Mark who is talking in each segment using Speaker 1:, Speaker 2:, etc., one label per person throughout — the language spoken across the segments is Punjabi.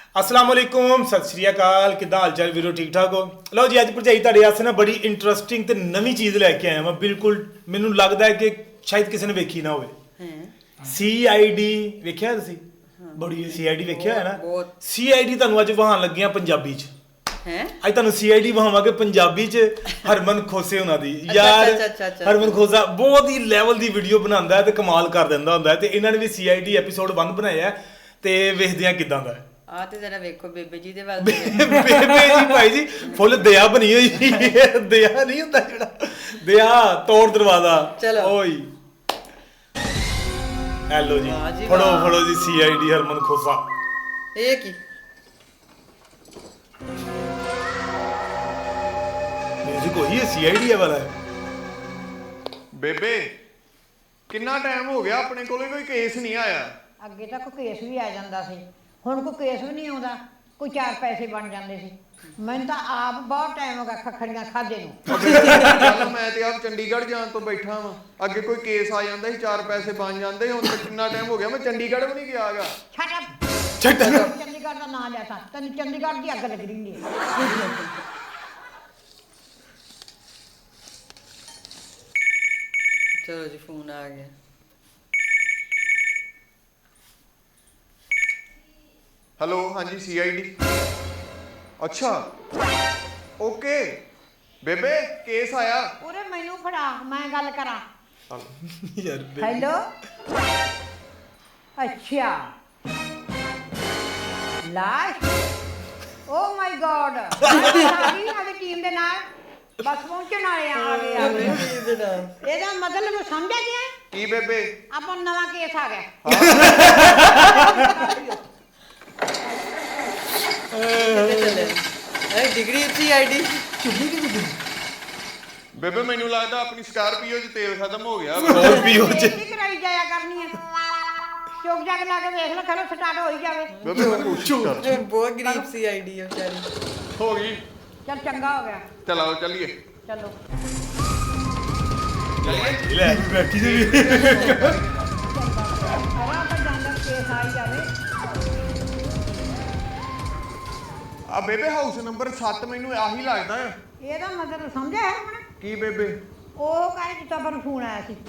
Speaker 1: असलामुअलैकुम सत श्री अकाल किदा हाल चाल वीरो ठीक ठाक हो लो जी अज भरजाई ਤੁਹਾਡੇ ਵਾਸਤੇ ਨਾ ਬੜੀ ਇੰਟਰਸਟਿੰਗ ਤੇ ਨਵੀਂ ਚੀਜ਼ ਲੈ ਕੇ ਆਇਆ ਮੈਂ ਬਿਲਕੁਲ ਮੈਨੂੰ ਲੱਗਦਾ ਹੈ ਕਿ ਸ਼ਾਇਦ ਕਿਸੇ ਨੇ ਵੇਖੀ ਨਾ ਹੋਵੇ ਸੀਆਈਡੀ ਵੇਖਿਆ ਤੁਸੀਂ ਬੜੀ ਸੀਆਈਡੀ ਵੇਖਿਆ ਹੈ ਨਾ ਸੀਆਈਡੀ ਤੁਹਾਨੂੰ ਅੱਜ ਵਹਾਣ ਲੱਗੀਆਂ ਪੰਜਾਬੀ ਚ ਹੈ ਅੱਜ ਤੁਹਾਨੂੰ ਸੀਆਈਡੀ ਵਹਾਵਾਂਗੇ ਪੰਜਾਬੀ ਚ ਹਰਮਨ ਖੋਸੇ ਉਹਨਾਂ ਦੀ ਯਾਰ ਹਰਮਨ ਖੋਸਾ ਬਹੁਤ ਹੀ ਲੈਵਲ ਦੀ ਵੀਡੀਓ ਬਣਾਉਂਦਾ ਹੈ ਤੇ ਕਮਾਲ ਕਰ ਦਿੰਦਾ ਹੁੰਦਾ ਹੈ ਤੇ ਇਹਨਾਂ ਨੇ ਵੀ ਸੀਆਈਡੀ ਐਪੀਸੋਡ 1 ਬਣਾਇਆ ਤੇ ਵੇਖਦੇ ਆ ਕਿਦਾਂ ਦਾ
Speaker 2: ਆ ਤੇ ਜਰਾ ਵੇਖੋ ਬੇਬੇ ਜੀ ਦੇ ਵੱਲ
Speaker 1: ਬੇਬੇ ਜੀ ਭਾਈ ਜੀ ਫੁੱਲ ਦਇਆ ਬਣੀ ਹੋਈ ਦਇਆ ਨਹੀਂ ਹੁੰਦਾ ਜਿਹੜਾ ਦਇਆ ਤੋੜ ਦਰਵਾਜ਼ਾ
Speaker 2: ਚਲੋ
Speaker 1: ਓਏ ਹੈਲੋ ਜੀ ਫੜੋ ਜੀ ਸੀਆਈਡੀ ਹਰਮਨ ਖੋਸਾ
Speaker 2: ਇਹ ਕੀ
Speaker 1: ਮਿਊਜ਼ਿਕ ਉਹੀ ਹੈ ਸੀਆਈਡੀ ਵਾਲਾ ਹੈ
Speaker 3: ਬੇਬੇ ਕਿੰਨਾ ਟਾਈਮ ਹੋ ਗਿਆ ਆਪਣੇ ਕੋਲੇ ਕੋਈ ਕੇਸ ਨਹੀਂ ਆਇਆ
Speaker 4: ਅੱਗੇ ਤਾਂ ਕੋਈ ਕੇਸ ਵੀ ਆ ਜਾਂਦਾ ਸੀ ਹੁਣ ਕੋਈ ਕੇਸ ਵੀ ਨਹੀਂ ਆਉਂਦਾ ਕੋਈ 4 ਪੈਸੇ ਬਣ ਜਾਂਦੇ ਸੀ ਮੈਨੂੰ ਤਾਂ ਆਪ ਬਹੁਤ ਟਾਈਮ ਹੋ ਗਿਆ ਖੱਖੜੀਆਂ ਖਾਦੇ ਨੂੰ
Speaker 3: ਚੱਲ ਮੈਂ ਤੇ ਆਪ ਚੰਡੀਗੜ੍ਹ ਜਾਣ ਤੋਂ ਬੈਠਾ ਵਾਂ ਅੱਗੇ ਕੋਈ ਕੇਸ ਆ ਜਾਂਦਾ ਸੀ 4 ਪੈਸੇ ਬਣ ਜਾਂਦੇ ਹੁਣ ਤਾਂ ਕਿੰਨਾ ਟਾਈਮ ਹੋ ਗਿਆ ਮੈਂ ਚੰਡੀਗੜ੍ਹ ਵੀ ਨਹੀਂ ਗਿਆਗਾ
Speaker 4: ਛੱਡ ਚੰਡੀਗੜ੍ਹ ਦਾ ਨਾਂ ਲਿਆ ਤਾਂ ਤੈਨੂੰ ਚੰਡੀਗੜ੍ਹ ਦੀ ਅੱਗ ਲੱਗ ਰਹੀ ਹੈ
Speaker 2: ਚਲੋ ਜੀ ਫੋਨ ਆ ਗਿਆ
Speaker 3: ਹੈਲੋ ਹਾਂਜੀ ਸੀਆਈਡੀ ਅੱਛਾ ਓਕੇ ਬੇਬੇ ਕੇਸ ਆਇਆ
Speaker 4: ਉਰੇ ਮੈਨੂੰ ਫੜਾ ਮੈਂ ਗੱਲ ਕਰਾਂ
Speaker 1: ਯਾਰ
Speaker 4: ਹੈਲੋ ਅੱਛਾ ਲਾਸ਼ ਓ ਮਾਈ ਗॉड ਸਾਡੀ ਸਾਡੀ ਟੀਮ ਦੇ ਨਾਲ ਬਸ ਪਹੁੰਚਣ ਵਾਲੇ ਆ ਗਏ ਇਹਦਾ ਮਤਲਬ ਸਮਝਿਆ ਗਿਆ
Speaker 3: ਕੀ ਬੇਬੇ
Speaker 4: ਆਪਾਂ ਨੂੰ ਨਵਾਂ ਕੇਸ ਆ ਗਿਆ
Speaker 2: ਡਿਗਰੀ ਸੀਆਈਡੀ
Speaker 3: ਬੇਬੇ ਮੈਨੂੰ ਲੱਗਦਾ ਆਪਣੀ ਸਕਾਰਪੀਓ 'ਚ ਤੇਲ ਖਤਮ ਹੋ ਗਿਆ
Speaker 1: ਸਕਾਰਪੀਓ 'ਚ
Speaker 4: ਕਰਾਈ ਜਾਇਆ ਕਰਨੀ ਹੈ ਚੁੱਕ ਜਾ ਕੇ ਲਾ ਕੇ ਵੇਖ ਲੈ ਖਲੋ ਸਟਾਰਟ ਹੋ ਹੀ ਜਾਵੇ
Speaker 3: ਬੇਬੇ ਮੈਂ ਕੋਸ਼ਿਸ਼ ਕਰ
Speaker 2: ਬਹੁਤ ਗਰੀਬ ਸੀਆਈਡੀ ਆ ਵਿਚਾਰੀ
Speaker 3: ਹੋ ਗਈ
Speaker 4: ਚੱਲ ਚੰਗਾ ਹੋ ਗਿਆ
Speaker 3: ਚਲੋ ਚੱਲੀਏ
Speaker 4: ਚਲੋ
Speaker 1: ਲੈ ਬੈਠੀ ਜੀ
Speaker 4: ਆਹ ਤਾਂ ਜਾਂਦਾ ਕੇਸ ਆ ਹੀ ਜਾਵੇ
Speaker 3: ਆ ਬੇਬੇ ਹਾਊਸ ਨੰਬਰ 7 ਮੈਨੂੰ ਆਹੀ ਲੱਗਦਾ ਆ
Speaker 4: ਇਹਦਾ ਮਤਲਬ ਸਮਝਿਆ ਹੈ ਹੁਣ
Speaker 3: ਕੀ ਬੇਬੇ
Speaker 4: ਉਹ ਕਾਹੇ ਜਿੱਤਾ ਪਰ ਫੋਨ ਆਇਆ ਸੀ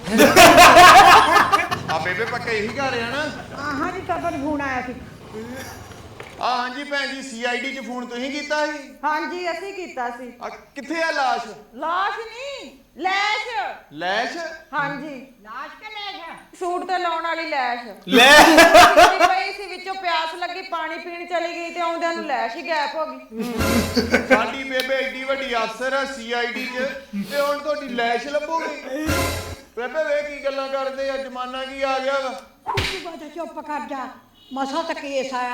Speaker 3: ਆ ਬੇਬੇ ਪੱਕਾ ਇਹੀ ਘਰ ਆ ਨਾ
Speaker 4: ਆਹਾਂ ਜਿੱਤਾ ਪਰ ਫੋਨ ਆਇਆ ਸੀ
Speaker 3: ਆ ਹਾਂਜੀ ਭੈਣ ਜੀ ਸੀਆਈਡੀ 'ਚ ਫੋਨ ਤੁਸੀਂ ਕੀਤਾ ਸੀ
Speaker 5: ਹਾਂਜੀ ਅਸੀਂ ਕੀਤਾ ਸੀ
Speaker 3: ਆ ਕਿੱਥੇ ਆ ਲਾਸ਼
Speaker 5: ਲਾਸ਼ ਨਹੀਂ ਲੈਸ਼
Speaker 3: ਲੈਸ਼
Speaker 5: ਹਾਂਜੀ
Speaker 4: ਲਾਸ਼ ਕੇ ਲੈ ਜਾ
Speaker 5: ਸੂਟ ਤੇ ਲਾਉਣ ਵਾਲੀ ਲੈਸ਼
Speaker 1: ਲੈ
Speaker 5: ਪਈ ਸੀ ਵਿੱਚੋਂ ਪਿਆਸ ਲੱਗੀ ਪਾਣੀ ਪੀਣ ਚਲੀ ਗਈ ਤੇ ਆਉਂਦਿਆਂ ਨੂੰ ਲੈਸ਼ ਹੀ ਗਾਇਬ ਹੋ ਗਈ
Speaker 3: ਸਾਡੀ ਬੇਬੇ ਏਡੀ ਵੱਡੀ ਅਫਸਰ ਆ ਸੀਆਈਡੀ 'ਚ ਤੇ ਹੁਣ ਤੁਹਾਡੀ ਲੈਸ਼ ਲੱਭੋਗੇ ਬੇਬੇ ਵੇ ਕੀ ਗੱਲਾਂ ਕਰਦੇ ਆ ਜ਼ਮਾਨਾ ਕੀ ਆ ਗਿਆ ਵਾ
Speaker 4: ਤੂੰ ਬਾਤ ਚੁੱਪ ਕਰ ਜਾ ਮਸਾ ਤਾਂ ਕੇਸ ਆਇਆ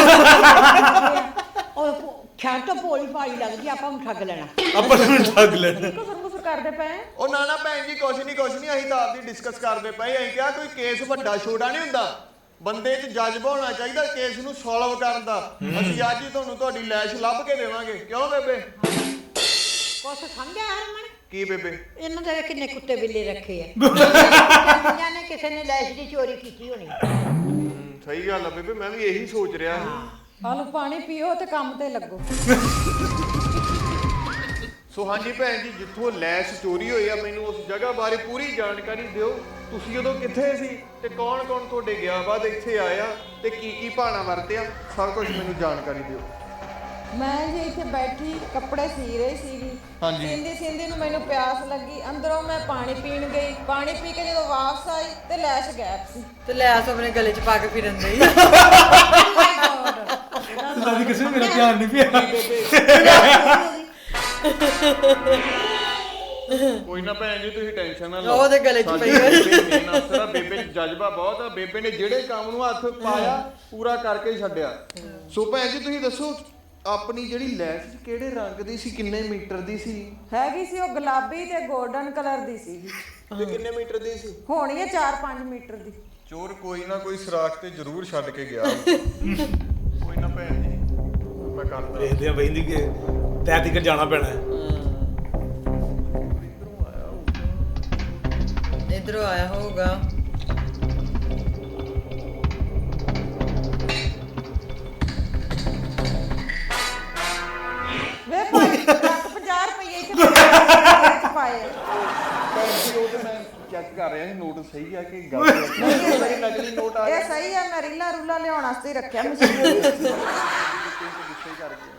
Speaker 4: ਉਹ ਖਿਆਲ ਤਾਂ ਭੋਲੀ ਭਾਲੀ ਲੱਗਦੀ ਆਪਾਂ ਨੂੰ ਠੱਗ ਲੈਣਾ
Speaker 1: ਆਪਾਂ ਨੂੰ ਠੱਗ ਲੈਣਾ
Speaker 5: ਕੁਸਰ ਕਰਦੇ ਪਏ
Speaker 3: ਉਹ ਨਾ ਭੈਣ ਜੀ ਕੁਛ ਨਹੀਂ ਅਸੀਂ ਤਾਂ ਆਪਦੀ ਡਿਸਕਸ ਕਰਦੇ ਪਏ ਅਸੀਂ ਕਿਹਾ ਕੋਈ ਕੇਸ ਵੱਡਾ ਛੋਟਾ ਨਹੀਂ ਹੁੰਦਾ ਬੰਦੇ 'ਚ ਜਜ਼ਬਾ ਹੋਣਾ ਚਾਹੀਦਾ ਕੇਸ ਨੂੰ ਸੋਲਵ ਕਰਨ ਦਾ ਅਸੀਂ ਅੱਜ ਹੀ ਤੁਹਾਨੂੰ ਤੁਹਾਡੀ ਲੈਸ਼ ਲੱਭ ਕੇ ਦੇਵਾਂਗੇ ਕਿਉਂ ਬੇਬੇ
Speaker 4: ਕੁਛ ਸਮਝਿਆ ਹਰਮਨ
Speaker 3: ਕੀ ਬੇਬੇ
Speaker 4: ਇਹਨਾਂ ਦੇ ਕਿੰਨੇ ਕੁੱਤੇ ਬਿੱਲੇ ਰੱਖੇ ਆ ਨੇ ਕਿਸੇ ਨੇ ਲੈਸ਼ ਦੀ ਚੋਰੀ ਕੀਤੀ ਹੋਣੀ
Speaker 3: ਸਹੀ ਗੱਲ ਆ ਬੇਬੇ ਮੈਂ ਵੀ ਇਹੀ ਸੋਚ ਰਿਹਾ ਸੀ
Speaker 5: ਆਲੂ ਪਾਣੀ ਪੀਓ ਤੇ ਕੰਮ ਤੇ ਲੱਗੋ
Speaker 3: ਸੋ ਹਾਂਜੀ ਭੈਣ ਜੀ ਜਿੱਥੋਂ ਲੈਸ਼ ਚੋਰੀ ਹੋਈ ਆ ਮੈਨੂੰ ਉਸ ਜਗ੍ਹਾ ਬਾਰੇ ਪੂਰੀ ਜਾਣਕਾਰੀ ਦਿਓ ਤੁਸੀਂ ਉਦੋਂ ਕਿੱਥੇ ਸੀ ਤੇ ਕੌਣ ਤੁਹਾਡੇ ਗਿਆ ਬਾਅਦ ਇੱਥੇ ਆਇਆ ਤੇ ਕੀ ਭਾਣਾ ਵਰਤਿਆ ਸਭ ਕੁਝ ਮੈਨੂੰ ਜਾਣਕਾਰੀ ਦਿਓ
Speaker 5: ਮੈਂ ਜੀ ਇੱਥੇ ਬੈਠੀ ਕੱਪੜੇ ਸੀ ਰਹੀ ਸੀਗੀ ਸਿੰਦੀ ਨੂੰ ਮੈਨੂੰ ਪਿਆਸ ਲੱਗੀ ਅੰਦਰੋਂ ਮੈਂ ਪਾਣੀ ਪੀਣ ਗਈ ਪਾਣੀ ਪੀ ਕੇ ਜਦੋਂ ਵਾਪਸ ਆਈ ਤੇ ਲੈਸ਼ ਗਾਇਬ ਸੀ
Speaker 2: ਤੇ ਲੈ ਆਸ ਆਪਣੇ ਗਲੇ 'ਚ ਪਾ ਕੇ ਫਿਰਨ ਦੇ
Speaker 1: ਸਾਡੀ ਕਿਸੇ ਨੂੰ ਮੇਰਾ ਧਿਆਨ ਨਹੀਂ ਪਿਆ
Speaker 3: ਕੋਈ ਨਾ ਭੈਣ ਜੀ ਤੁਸੀਂ ਟੈਨਸ਼ਨ ਨਾ ਲਓ
Speaker 2: ਉਹਦੇ ਗਲੇ 'ਚ ਪਈ
Speaker 3: ਬੇਬੇ 'ਚ ਜਜ਼ਬਾ ਬਹੁਤ ਆ ਬੇਬੇ ਨੇ ਜਿਹੜੇ ਕੰਮ ਨੂੰ ਹੱਥ ਪਾਇਆ ਪੂਰਾ ਕਰਕੇ ਹੀ ਛੱਡਿਆ ਸੋ ਭੈਣ ਜੀ ਤੁਸੀਂ ਦੱਸੋ ਆਪਣੀ ਜਿਹੜੀ ਲੈਸ਼ ਕਿਹੜੇ ਰੰਗ ਦੀ ਸੀ ਕਿੰਨੇ ਮੀਟਰ ਦੀ ਸੀ
Speaker 5: ਹੈਗੀ ਸੀ ਉਹ ਗੁਲਾਬੀ ਤੇ 골ਡਨ ਕਲਰ ਦੀ ਸੀ
Speaker 3: ਤੇ ਕਿੰਨੇ ਮੀਟਰ ਦੀ ਸੀ
Speaker 5: ਹੋਣੀ ਹੈ 4-5 ਮੀਟਰ ਦੀ
Speaker 3: ਚੋਰ ਕੋਈ ਨਾ ਕੋਈ ਸਰਾਖ ਤੇ ਜ਼ਰੂਰ ਛੱਡ ਕੇ ਗਿਆ ਕੋਈ ਨਾ ਭੈਣ ਜੀ ਮੈਂ ਕਰਦਾ
Speaker 1: ਦੇਖਦੇ ਆ ਬਈਂਦੀ ਕਿ ਤੈ ਤੀਕਰ ਜਾਣਾ ਪੈਣਾ
Speaker 2: ਇਧਰੋਂ ਆਇਆ ਹੋਊਗਾ
Speaker 5: ਆਏ ਆ।
Speaker 3: ਉਹ ਤੇ ਮੈਂ ਚੈੱਕ ਕਰ ਰਿਹਾ ਸੀ ਨੋਟ ਸਹੀ ਆ ਕਿ ਗਲਤ ਆ। ਮੇਰੇ ਨਕਲੀ ਨੋਟ ਆ
Speaker 5: ਇਹ ਸਹੀ ਆ, ਮੈਂ ਰੀਲਾ ਰੂਲਾ ਲਿਆਉਣ ਵਾਸਤੇ ਹੀ ਰੱਖਿਆ ਮਸ਼ੀਨ ਵਿੱਚ।
Speaker 3: ਗੁੱਸੇ ਕਰ ਗਿਆ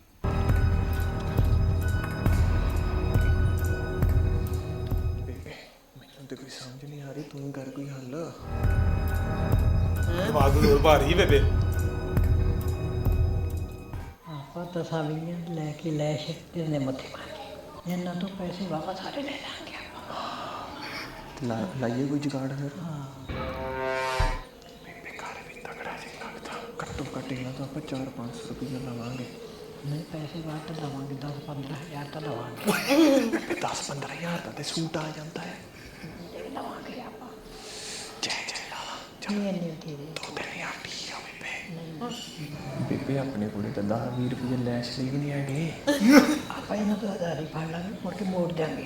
Speaker 3: ਮੈਨੂੰ ਤੇ ਕੋਈ ਸਮਝ ਨਹੀਂ ਆ ਰਹੀ, ਤੂੰ ਕਰ ਕੋਈ ਹੱਲ।
Speaker 1: ਦਿਮਾਗ ਨੂੰ ਜ਼ੋਰ ਭਾਰੀ ਬੇਬੇ।
Speaker 6: ਆਪਾਂ ਤਸਵੀਰਾਂ ਲੈ ਕੇ ਲੈਸ਼ ਇਹਨੇ ਮੱਥੇ ਮਾਰੇ ਇਹਨਾਂ ਤੋਂ ਪੈਸੇ ਵਾਪਸ ਸਾਰੇ ਲੈ ਲਾਂਗੇ ਆਪਾਂ।
Speaker 3: ਲਾਈਏ ਕੋਈ ਜੁਗਾੜ ਫਿਰ। ਬੇਬੇ ਘਰ ਵੀ ਤਗੜਾ ਜਿਹਾ ਲੱਗਦਾ, ਘੱਟੋ ਘੱਟ ਇਹਨਾਂ ਤੋਂ ਆਪਾਂ 4-500 ਰੁਪਏ ਲਵਾਂਗੇ।
Speaker 6: ਨਹੀਂ ਪੈਸੇ ਵਾਟ ਦਵਾਂਗੇ 10-15 ਹਜ਼ਾਰ ਤਾਂ ਦਵਾਂਗੇ।
Speaker 3: ਬੇਬੇ 10-15 ਹਜ਼ਾਰ ਦਾ ਤੇ ਸੂਟ ਆ ਜਾਂਦਾ ਹੈ।
Speaker 6: ਦਵਾਂਗੇ ਆਪਾਂ
Speaker 3: ਜੈ ਜੈ ਲਾਲਾ
Speaker 6: ਨਹੀਂ ਇੰਨੇ ਤੇਰੇ
Speaker 3: 2-3 ਹਜ਼ਾਰ ਠੀਕ ਆ ਬੇਬੇ। ਬੇਬੇ ਆਪਣੇ ਕੋਲੇ ਤਾਂ 10-20 ਰੁਪਏ ਲੈਸ਼ ਲਈ ਵੀ ਨਹੀਂ ਹੈਗੇ।
Speaker 6: ਆਪਾਂ ਇਹਨਾਂ ਤੋਂ 1000 ਹੀ ਫੜ ਲਾਂਗੇ, ਮੁੜ ਕੇ ਮੋੜ ਦਿਆਂਗੇ।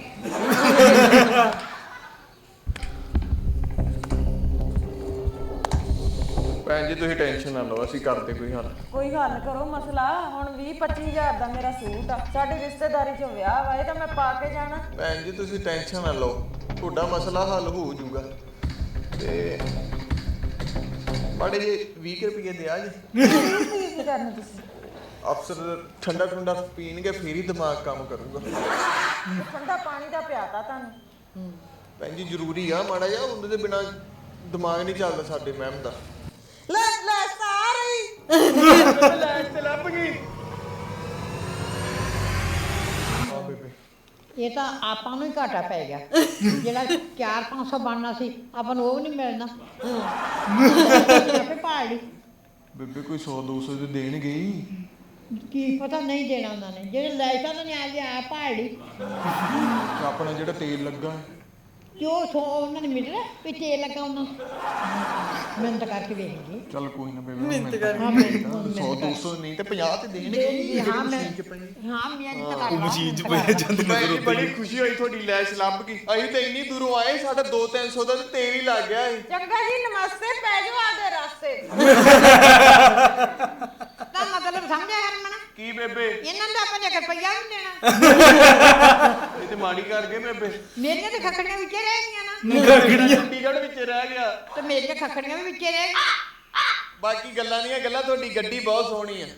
Speaker 3: ਭੈਣ ਜੀ ਤੁਸੀਂ ਟੈਨਸ਼ਨ ਨਾ ਲਓ, ਅਸੀਂ ਕਰਦੇ ਕੋਈ ਹੱਲ।
Speaker 5: ਕੋਈ ਹੱਲ ਕਰੋ ਮਸਲਾ। ਹੁਣ 20-25 ਹਜ਼ਾਰ ਦਾ ਮੇਰਾ ਸੂਟ ਆ, ਸਾਡੀ ਰਿਸ਼ਤੇਦਾਰੀ 'ਚ ਵਿਆਹ ਵਾ, ਇਹ ਤਾਂ ਮੈਂ ਪਾ ਕੇ ਜਾਣਾ।
Speaker 3: ਭੈਣ ਜੀ ਤੁਸੀਂ ਟੈਨਸ਼ਨ ਨਾ ਲਓ, ਤੁਹਾਡਾ ਮਸਲਾ ਹੱਲ ਹੋ ਜਾਊਗਾ। ਤੇ ਮਾੜੇ ਜੇ 20 ਰੁਪਏ ਦਿਆ ਜੀ।
Speaker 5: ਕੀ ਕਰਨਾ ਤੁਸੀਂ?
Speaker 3: ਅਫਸਰ ਠੰਡਾ ਠੰਡਾ ਪੀਣਗੇ ਫੇਰ ਹੀ ਦਿਮਾਗ ਕੰਮ ਕਰੂਗਾ।
Speaker 5: ਠੰਡਾ ਪਾਣੀ ਦਾ ਪਿਆਤਾ ਤੁਹਾਨੂੰ।
Speaker 3: ਭੈਣ ਜੀ ਜ਼ਰੂਰੀ ਆ, ਮਾੜਾ ਜਿਹਾ ਉਹਦੇ ਦੇ ਬਿਨਾ ਦਿਮਾਗ ਨਹੀਂ ਚੱਲਦਾ ਸਾਡੇ ਮੈਮ ਦਾ।
Speaker 5: ਲੈ ਸਾਰੀ
Speaker 3: ਲੈਸ਼ ਤੇ ਲੱਭ ਗਈ। ਆ ਬੇਬੇ
Speaker 6: ਇਹ ਤਾਂ ਆਪਾਂ ਨੂੰ ਹੀ ਘਾਟਾ ਪੈ ਗਿਆ। ਜਿਹੜਾ 4-500 ਬਣਨਾ ਸੀ ਆਪਾਂ ਨੂੰ ਉਹ ਨਹੀਂ ਮਿਲਣਾ। ਆਪੇ ਪਾ ਲਈ।
Speaker 3: ਬੇਬੇ ਕੋਈ 100-200 ਦੇ ਦੇਣਗੇ ਹੀ।
Speaker 6: ਕੀ ਪਤਾ ਨਹੀਂ ਦੇਣਾ ਉਹਨਾਂ ਨੇ, ਜਿਹੜੇ ਲੈਸ਼ਾਂ ਨੇ ਆ ਗਿਆ ਪਾ ਲਈ।
Speaker 3: ਆਪਣਾ ਜਿਹੜਾ ਤੇਲ ਲੱਗਾ
Speaker 6: ਜੋ ਉਹਨਾਂ ਨੇ ਮਿਲ ਰਿਹਾ ਵੀ ਤੇਲ ਲੱਗਾ ਉਹਨਾਂ ਨੂੰ। ਮਿਹਨਤ ਕਰਕੇ ਵੇਖ ਲਈ।
Speaker 3: ਚੱਲ ਕੋਈ ਨਾ ਬੇਬੇ ਮਿਹਨਤ
Speaker 6: ਹਾਂ, ਮਿਹਨਤ
Speaker 3: 100-200 ਨਹੀਂ ਤੇ 50 ਤੇ ਦੇਣਗੇ ਹੀ।
Speaker 6: ਹਾਂ ਮੈਂ ਮਿਹਨਤ ਕਰ
Speaker 1: ਉਹ ਮਸ਼ੀਨ 'ਚ ਪਏ ਜਾਂਦੀ ਨਜ਼ਰ
Speaker 3: ਮੈਨੂੰ
Speaker 1: ਉੱਤੇ
Speaker 3: ਬੜੀ ਖੁਸ਼ੀ ਹੋਈ ਤੁਹਾਡੀ ਲੈਸ਼ ਲੱਭ ਗਈ। ਅਸੀਂ ਤਾਂ ਇੰਨੀ ਦੂਰੋਂ ਆਏ, ਸਾਡਾ 200-300 ਦਾ ਤੇ ਤੇਲ ਹੀ ਲੱਗ ਗਿਆ ਸੀ।
Speaker 5: ਚੰਗਾ ਜੀ, ਨਮਸਤੇ, ਪੈ ਜਾਓ ਆਦੇ ਰਾਸਤੇ।
Speaker 6: ਤਾਂ ਮਤਲਬ ਸਮਝਿਆ ਹਰਮਨ?
Speaker 3: ਕੀ ਬੇਬੇ
Speaker 6: ਇਹਨਾਂ ਦਾ ਆਪਾਂ ਨੇ ਰੁਪਈਆ ਵੀ ਨਹੀਂ ਦੇਣਾ।
Speaker 3: ਇਹ ਤੇ ਮਾੜੀ ਕਰ ਗਏ ਬੇਬੇ।
Speaker 6: ਮੇਰੀਆਂ ਤੇ ਖੱਖੜੀਆਂ ਵਿੱਚੇ ਰਹਿ ਗਈਆਂ ਨਾ।
Speaker 3: ਚੰਡੀਗੜ੍ਹ ਵਿੱਚ ਰਹਿ ਗਿਆ।
Speaker 6: ਤੇ ਮੇਰੀਆਂ ਖੱਖੜੀਆਂ ਵੀ ਵਿੱਚੇ ਰਹਿ ਗਈਆਂ।
Speaker 3: ਬਾਕੀ ਗੱਲਾਂ ਦੀਆਂ ਗੱਲਾਂ, ਤੁਹਾਡੀ ਗੱਡੀ ਬਹੁਤ ਸੋਹਣੀ ਆ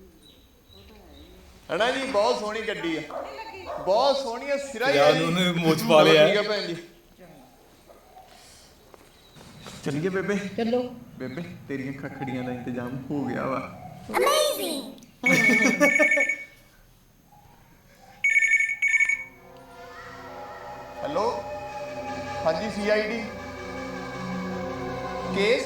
Speaker 3: ਹਨਾ ਜੀ, ਬਹੁਤ ਸੋਹਣੀ ਗੱਡੀ ਆ, ਬਹੁਤ ਸੋਹਣੀ ਆ, ਸਿਰਾ ਹੀ ਆ
Speaker 1: ਯਾਰ
Speaker 3: ਜੀ।
Speaker 1: ਉਹਨੇ ਮੋਚ ਪਾ ਲਿਆ।
Speaker 3: ਠੀਕ ਆ ਭੈਣ ਜੀ, ਚੱਲੀਏ ਬੇਬੇ।
Speaker 6: ਚਲੋ
Speaker 3: ਬੇਬੇ ਤੇਰੀਆਂ ਖੱਖੜੀਆਂ ਦਾ ਇੰਤਜ਼ਾਮ ਹੋ ਗਿਆ ਵਾ। ਹੈਲੋ ਹਾਂਜੀ ਸੀਆਈਡੀ ਕੇਸ।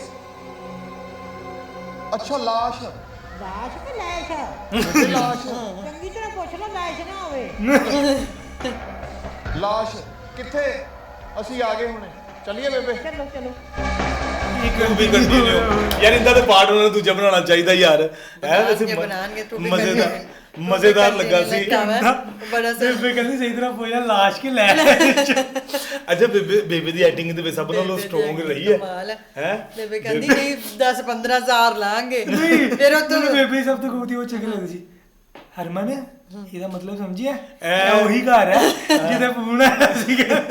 Speaker 3: ਅੱਛਾ ਲਾਸ਼।
Speaker 6: ਲਾਸ਼ ਕਿ ਲੈਸ਼?
Speaker 3: ਲਾਸ਼
Speaker 6: ਚੰਗੀ ਤਰ੍ਹਾਂ ਪੁੱਛ ਲਓ, ਲੈਸ਼ ਨਾ ਹੋਵੇ।
Speaker 3: ਲਾਸ਼ ਕਿੱਥੇ? ਅਸੀਂ ਆ ਗਏ ਹੁਣੇ, ਚੱਲੀਏ ਬੇਬੇ।
Speaker 6: ਚਲੋ ਚਲੋ।
Speaker 1: ਤੂੰ ਵੀ ਕੰਟੀਨਿਊ ਯਾਰ, ਇੰਦਾ ਤੇ ਪਾਰਟ ਉਹਨਾਂ ਨੂੰ ਦੂਜਾ ਬਣਾਉਣਾ ਚਾਹੀਦਾ ਯਾਰ।
Speaker 2: ਬਣਾਉਣਗੇ, ਤੂੰ ਵੀ
Speaker 1: ਮਜ਼ੇਦਾਰ ਲੱਗਾ ਸੀ।
Speaker 2: ਬੜਾ
Speaker 1: ਬੇਬੇ ਕਹਿੰਦੀ ਸਹੀ ਤਰ੍ਹਾਂ ਪੁੱਛਿਆ ਲਾਸ਼ ਕਿ ਲੈ। ਅੱਛਾ ਬੇਬੇ ਦੀ ਐਕਟਿੰਗ ਤੇ ਸਭ ਨਾਲੋਂ ਸਟਰੋਂਗ ਰਹੀ ਹੈ। ਹੈ
Speaker 2: ਬੇਬੇ ਕਹਿੰਦੀ ਨਹੀਂ 10-15 ਹਜ਼ਾਰ ਲਾਂਗੇ। ਫਿਰ ਉਹ ਤੂੰ
Speaker 7: ਬੇਬੇ ਸਭ ਤੋਂ ਗੋਤੀ ਉਹ ਚੰਗੀ ਲੱਗਦੀ ਸੀ। ਹਰਮਨ ਇਹਦਾ ਮਤਲਬ ਸਮਝਿਆ? ਇਹ ਉਹੀ ਘਰ ਹੈ ਜਿਹਦੇ ਫੋਨ ਆਇਆ ਸੀਗਾ।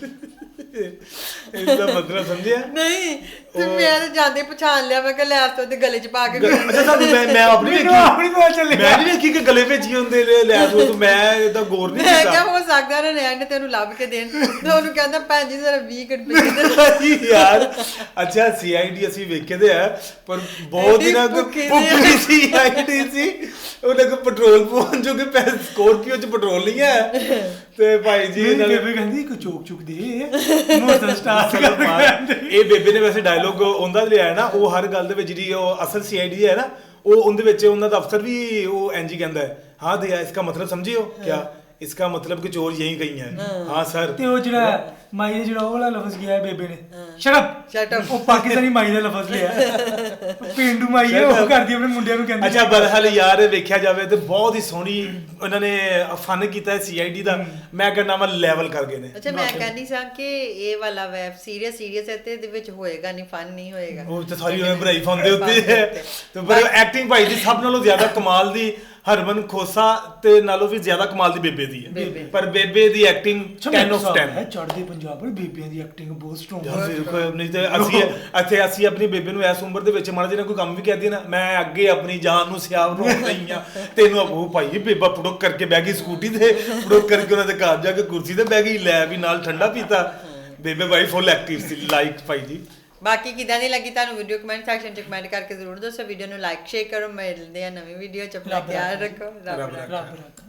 Speaker 1: ਇਹਦਾ ਮਤਲਬ ਸਮਝਿਆ
Speaker 2: ਨਹੀਂ ਤੇ ਮੈਂ ਤਾਂ ਜਾਂਦੇ ਪਛਾਣ ਲਿਆ। ਮੈਂ ਕਿਹਾ ਲੈਪਟਾਪ ਉਹਦੇ ਗਲੇ 'ਚ ਪਾ ਕੇ
Speaker 1: ਅੱਛਾ ਤੁਹਾਨੂੰ ਮੈਂ ਆਪਣੀ
Speaker 7: ਮੈਨੂੰ ਆਪਣੀ ਪਤਾ ਚੱਲਿਆ।
Speaker 1: ਮੈਂ ਨਹੀਂ ਵੇਖੀ ਕਿ ਗਲੇ ਵਿੱਚ ਹੀ ਹੁੰਦੇ ਲੈ ਤੂੰ ਮੈਂ ਇਹਦਾ ਗੌਰ ਨਹੀਂ
Speaker 2: ਮੈਂ
Speaker 1: ਕੀਤਾ।
Speaker 2: ਕਿਹਾ ਹੋ ਸਕਦਾ ਨੇ ਤੈਨੂੰ ਲੱਭ ਕੇ ਦੇਣ। ਤੇ ਉਹਨੂੰ ਕਹਿੰਦਾ ਭੈਣ ਜੀ ਜ਼ਰਾ 20 ਰੁਪਏ ਦੇ।
Speaker 1: ਯਾਰ ਅੱਛਾ ਸੀਆਈਡੀ ਅਸੀਂ ਵੇਖੇ ਤੇ ਆ, ਪਰ ਬਹੁਤ ਦਿਨਾਂ ਤੋਂ ਭੁੱਖੀ ਸੀਆਈਡੀ ਸੀ। ਉਹਨੇ ਕੋ ਪੈਟਰੋਲ ਪਵਾਉਣ ਜੋ ਕਿ ਸਕੋਰਪੀਓ 'ਚ ਪੈਟਰੋਲ ਨਹੀਂ ਹੈ। ਤੇ ਭਾਈ ਜੀ
Speaker 7: ਬੇਬੇ ਕਹਿੰਦੀ ਕੋ ਚੋਕ ਚੁੱਕ ਦੇ ਮੋਟਰ ਸਟਾਰਟ ਕਰ।
Speaker 1: ਇਹ ਬੇਬੇ ਨੇ ਵੈਸੇ ਡਾਇਲੋਗ ਉਹਦਾ ਲਿਆ ਨਾ, ਉਹ ਹਰ ਗੱਲ ਦੇ ਵਿੱਚ ਜਿਹੜੀ ਉਹ ਅਸਲ ਸੀਆਈਡੀ ਹੈ ਨਾ, ਉਹ ਉਹਦੇ ਵਿੱਚ ਉਹਨਾਂ ਦਾ ਅਫਸਰ ਵੀ ਉਹ ਐਨਜੀ ਕਹਿੰਦਾ ਹੈ, ਹਾਂ ਦਿਆ ਇਸका मतलब समझे हो क्या? इसका मतलब कि चोर यही कहीं है। हाँ सर।
Speaker 7: ਤੇ ਉਹ ਜਿਹੜਾ ਮਾਈ ਨੇ ਜਿਹੜਾ ਉਹ ਵਾਲਾ ਲਫ਼ਜ਼ ਗਿਆ ਬੇਬੇ ਨੇ, ਸ਼ਟ ਅਪ, ਉਹ ਪਾਕਿਸਤਾਨੀ ਮਾਈ ਦਾ ਲਫ਼ਜ਼ ਲਿਆ। ਪਿੰਡੂ ਮਾਈ ਹੈ, ਉਹ ਕਰਦੀ ਆਪਣੇ ਮੁੰਡਿਆਂ ਨੂੰ ਕਹਿੰਦੀ।
Speaker 1: ਅੱਛਾ ਬਰਹਾਲ ਯਾਰ ਵੇਖਿਆ ਜਾਵੇ ਤੇ ਬਹੁਤ ਹੀ ਸੋਹਣੀ ਉਹਨਾਂ ਨੇ ਫਨ ਕੀਤਾ ਸੀਆਈਡੀ ਦਾ। ਮੈਂ ਕਹਿੰਦਾ ਮੈਂ ਲੈਵਲ ਕਰ ਗਏ ਨੇ।
Speaker 2: ਅੱਛਾ ਮੈਂ ਕਹਿੰਦੀ ਸਾਂ ਕਿ ਇਹ ਵਾਲਾ ਵੈਬ ਸੀਰੀਅਸ ਹੈ ਤੇ ਇਹਦੇ ਵਿੱਚ ਹੋਏਗਾ ਨਹੀਂ, ਫਨ ਨਹੀਂ ਹੋਏਗਾ।
Speaker 1: ਉਹ ਤੇ ਸਾਰੀ ਉਹਨੇ ਬਣਾਈ ਫਨ ਦੇ ਉੱਤੇ ਹੈ। ਤੇ ਪਰ ਐਕਟਿੰਗ ਭਾਈ ਦੀ ਸਭ ਨਾਲੋਂ ਜ਼ਿਆਦਾ ਕਮਾਲ ਦੀ ਹਰਮਨ ਖੋਸਾ ਤੇ ਨਾਲੋਂ ਵੀ ਜ਼ਿਆਦਾ ਕਮਾਲ ਦੀ ਬੇਬੇ ਦੀ ਹੈ ਪਰ ਬੇਬੇ ਦੀ ਐਕਟਿੰਗ 10 ਆਫ 10
Speaker 7: ਹੈ। ਚੜ੍ਹਦੇ ਪੰਜਾਬ ਪਰ ਬੇਬਿਆਂ ਦੀ ਐਕਟਿੰਗ ਬਹੁਤ ਸਟਰੋਂਗ
Speaker 1: ਯਾਰ ਬਿਲਕੁਲ ਨਹੀਂ ਤੇ ਅਸੀਂ ਆਪਣੀ ਬੇਬੇ ਨੂੰ ਇਸ ਉਮਰ ਦੇ ਵਿੱਚ ਮਾੜਾ ਜਿਹਾ ਕੋਈ ਕੰਮ ਵੀ ਕਹਿ ਦਈਏ ਨਾ, ਮੈਂ ਅੱਗੇ ਆਪਣੀ ਜਾਨ ਨੂੰ ਸਿਆਬ ਰੋਣ ਰਹੀ ਆ, ਤੈਨੂੰ ਉਹ ਭਾਈ ਬੇਬਾ ਪੁੜਕ ਕਰਕੇ ਬਹਿ ਗਈ ਸਕੂਟੀ ਤੇ, ਪੁੜਕ ਕਰਕੇ ਉਹਨਾਂ ਦੇ ਘਰ ਜਾ ਕੇ ਕੁਰਸੀ ਤੇ ਬਹਿ ਗਈ, ਲੈ ਵੀ ਨਾਲ ਠੰਡਾ ਪੀਤਾ। ਬੇਬੇ ਭਾਈ ਫੁੱਲ ਐਕਟਿਵ ਸੀ। ਲਾਈਕ ਭਾਈ ਜੀ।
Speaker 2: ਬਾਕੀ ਕਿਦਾਂ ਦੀ ਲੱਗੀ ਤੁਹਾਨੂੰ ਵੀਡੀਓ ਕਮੈਂਟ ਸੈਕਸ਼ਨ 'ਚ ਕਮੈਂਟ ਕਰਕੇ ਜ਼ਰੂਰ ਦੱਸੋ। ਵੀਡੀਓ ਨੂੰ ਲਾਈਕ ਸ਼ੇਅਰ ਕਰੋ। ਮਿਲਦੇ ਆ ਨਵੀਂ ਵੀਡੀਓ 'ਚ। ਆਪਣਾ ਖਿਆਲ ਰੱਖੋ। ਰੱਬ ਰੱਖਾ।